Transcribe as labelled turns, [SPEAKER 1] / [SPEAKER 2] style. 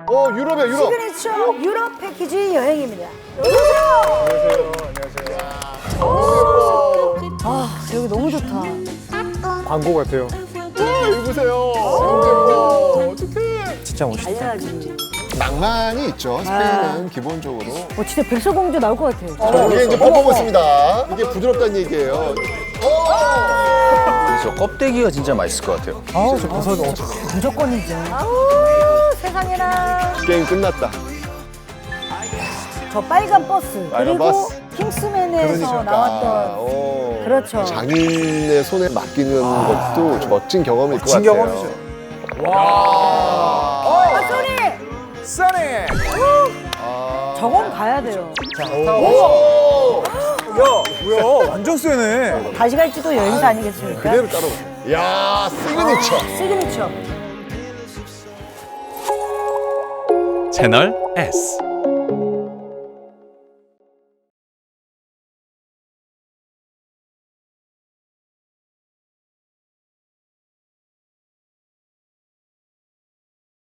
[SPEAKER 1] 유럽이야, 유럽.
[SPEAKER 2] 시그니처 유럽 패키지 여행입니다. 아, 여기 너무 좋다.
[SPEAKER 1] 광고 같아요. 여기 보세요. 어떡해.
[SPEAKER 3] 진짜 멋있다.
[SPEAKER 2] 알려야지.
[SPEAKER 1] 낭만이 있죠. 스페인은 기본적으로.
[SPEAKER 2] 진짜 백설공주 나올 것 같아요.
[SPEAKER 1] 이게 이제 퍼포먼스입니다. 이게 부드럽다는 얘기예요.
[SPEAKER 4] 저 껍데기가 진짜 맛있을 것 같아요.
[SPEAKER 3] 아우, 저 버섯
[SPEAKER 2] 무조건이죠. 세상에나.
[SPEAKER 1] 게임 끝났다.
[SPEAKER 2] 저 빨간 버스.
[SPEAKER 1] 빨간
[SPEAKER 2] 그리고
[SPEAKER 1] 버스.
[SPEAKER 2] 킹스맨에서 나왔던.
[SPEAKER 1] 오.
[SPEAKER 2] 그렇죠.
[SPEAKER 1] 장인의 손에 맡기는 것도 멋진 경험일 것
[SPEAKER 3] 멋진
[SPEAKER 1] 같아요.
[SPEAKER 3] 경험이죠.
[SPEAKER 2] 아, 소리!
[SPEAKER 3] 써니!
[SPEAKER 2] 저건 가야 돼요.
[SPEAKER 3] 야, 뭐야? 완전 세네.
[SPEAKER 2] 다시 갈지도 여행사 아니겠습니까?
[SPEAKER 1] 그대로 따로. 야, 시그니처.
[SPEAKER 2] 시그니처.
[SPEAKER 5] 채널 S